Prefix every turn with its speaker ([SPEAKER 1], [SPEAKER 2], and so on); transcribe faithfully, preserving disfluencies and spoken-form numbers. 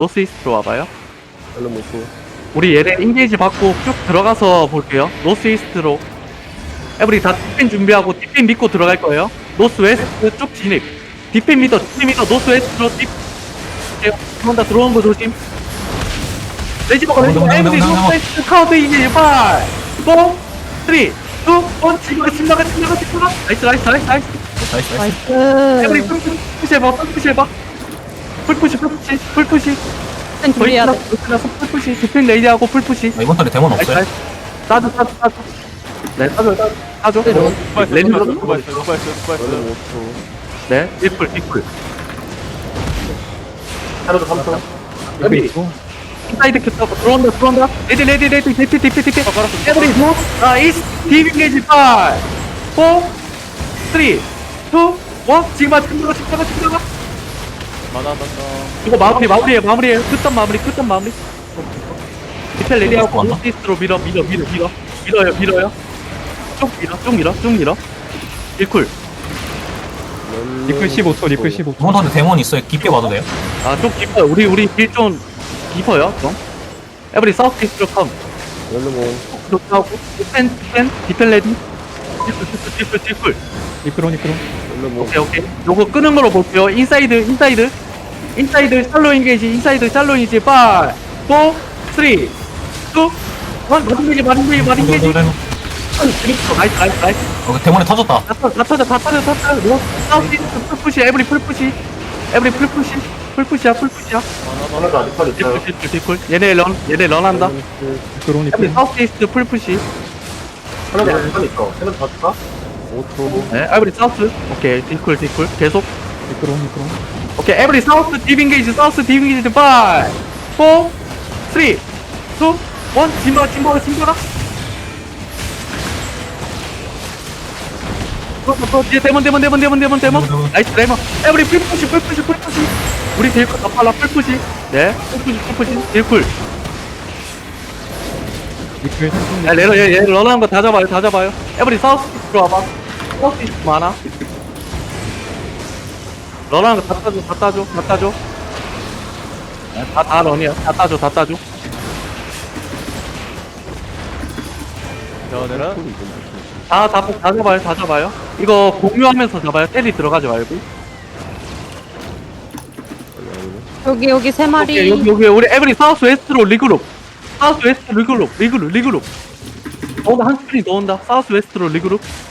[SPEAKER 1] 노스 이스트로 와봐요.
[SPEAKER 2] 별로 못고.
[SPEAKER 1] 우리 얘네 인게이지 받고 쭉 들어가서 볼게요. 노스 이스트로. 에브리 다 디펜 준비하고 디펜 믿고 들어갈 거예요. 노스 웨스트 쭉 진입. 디펜 믿어, 디펜 믿어, 노스 웨스트로 딥. 들어온다, 들어오는 거 조심. 레지버가 레지버 에브리 노스 웨스트 카운트 이제 팔, 사, 삼, 이, 일. 지금 침나가, 침나가, 침나가. 나이스, 나이스, 나이스, 나이스.
[SPEAKER 3] 나이스 나이스.
[SPEAKER 4] 나이스.
[SPEAKER 1] 에브리 풀푸시 해봐, 풀푸시 해봐. 풀푸시, 풀푸시, 풀푸시.
[SPEAKER 4] 펜 준비해야 돼.
[SPEAKER 1] 끝나서 풀푸시, 디펜 레이디하고 풀푸시.
[SPEAKER 3] 아, 이번 턴에 데몬
[SPEAKER 1] 나이스,
[SPEAKER 3] 없어요?
[SPEAKER 1] 나이스. 따줘, 따줘, 따줘. 네, 따줘, 따줘. 따줘. 랜드로.
[SPEAKER 2] 별로 못고.
[SPEAKER 1] 네, 일풀, 일풀.
[SPEAKER 2] 하루도 삼 초.
[SPEAKER 1] 에브리. 인사이드 켰다고 들어온다, 들어온다. 레디, 레디, 레디, 디피, 디피, 디피. 에브리, 노. 아, 이스, 디빙 게이지 팔, 사, 삼, 이, 일. 지금 와, 지금 들어가, 지금 들어가, 지금 들어가. 이거 마무리, 마무리해, 마무리해. 끝점 마무리, 끝점 마무리. 디펠 레디하고
[SPEAKER 3] 맞나?
[SPEAKER 1] 노스이스트로 밀어, 밀어, 밀어, 밀어. 밀어요, 밀어요. 쭉 밀어, 쭉 밀어, 쭉 밀어. 일쿨.
[SPEAKER 5] 리플 십오 초, 리플 십오 초.
[SPEAKER 3] 이번 턴에 데몬 있어요. 깊게 봐도 돼요?
[SPEAKER 1] 아, 좀 깊어요. 우리, 우리 길 좀 깊어요, 좀. 에브리 사우스 이스트로 컴.
[SPEAKER 2] 별로 뭐.
[SPEAKER 1] 그렇게 하고, 디펜, 디펜, 디펜 레디. 디플, 디플, 디플, 디플.
[SPEAKER 5] 리플온, 리플온.
[SPEAKER 2] 별로 뭐.
[SPEAKER 1] 오케이, 오케이. 요거 끄는 거로 볼게요. 인사이드, 인사이드. 인사이드, 샬로 인게이지, 인사이드, 샬로 인게이지, 파, 사, 삼, 이, 일. 마린게이지, 마린게이지, 마린게이지. 나이스, 나이스, 나이스.
[SPEAKER 3] 어, 데몬에 터졌다.
[SPEAKER 1] 다 터져, 다 터져, 다 터져, 다 터져. 뭐? 사우스 이스트 풀푸시, 에브리 풀푸시. 에브리 풀푸시. 풀푸시야, 풀푸시야.
[SPEAKER 2] 하나도 아직 팔 있어요.
[SPEAKER 1] 디플, 디플, 디플. 얘네 런, 얘네 런한다.
[SPEAKER 5] 리플온,
[SPEAKER 1] 에브리
[SPEAKER 5] 리플온.
[SPEAKER 1] 사우스 이스트 풀푸시.
[SPEAKER 2] 하나도 아직 팔 있어. 하나도 다 줄까? 오 초.
[SPEAKER 1] 네, 에브리 사우스. 오케이, 디플, 디플. 계속.
[SPEAKER 5] 리플온, 리플온.
[SPEAKER 1] 오케이, 에브리 사우스 디빙게이지, 사우스 디빙게이지, 파, 사, 삼, 이, 일. 진보라, 진보라, 진보라. 어, 어, 뒤에 데몬, 데몬, 데몬, 데몬, 데몬, 데몬. 나이스, 데몬. 에브리 풀푸시, 풀푸시, 풀푸시. 우리 딜쿨 더 빨라, 풀푸시. 네, 풀푸시, 풀푸시, 딜쿨.
[SPEAKER 5] 리플 삼십.
[SPEAKER 1] 야, 레러, 얘, 얘, 런하는 거 다 잡아요, 다 잡아요. 에브리 사우스 들어와봐. 사우스 이스트 많아. 런하는 거 다 따줘, 다 따줘, 다 따줘. 네, 다, 다 런이야. 다 따줘, 다 따줘. 다, 다, 다 잡아요, 다 잡아요. 이거 공유하면서 잡아요. 때리 들어가지 말고.
[SPEAKER 4] 여기 여기 세 마리.
[SPEAKER 1] 오케이, 여기, 여기, 우리 에브리 사우스 웨스트로 리그룹. 사우스 웨스트 리그룹, 리그룹, 리그룹. 어, 한 스크린 더 온다. 사우스 웨스트로 리그룹.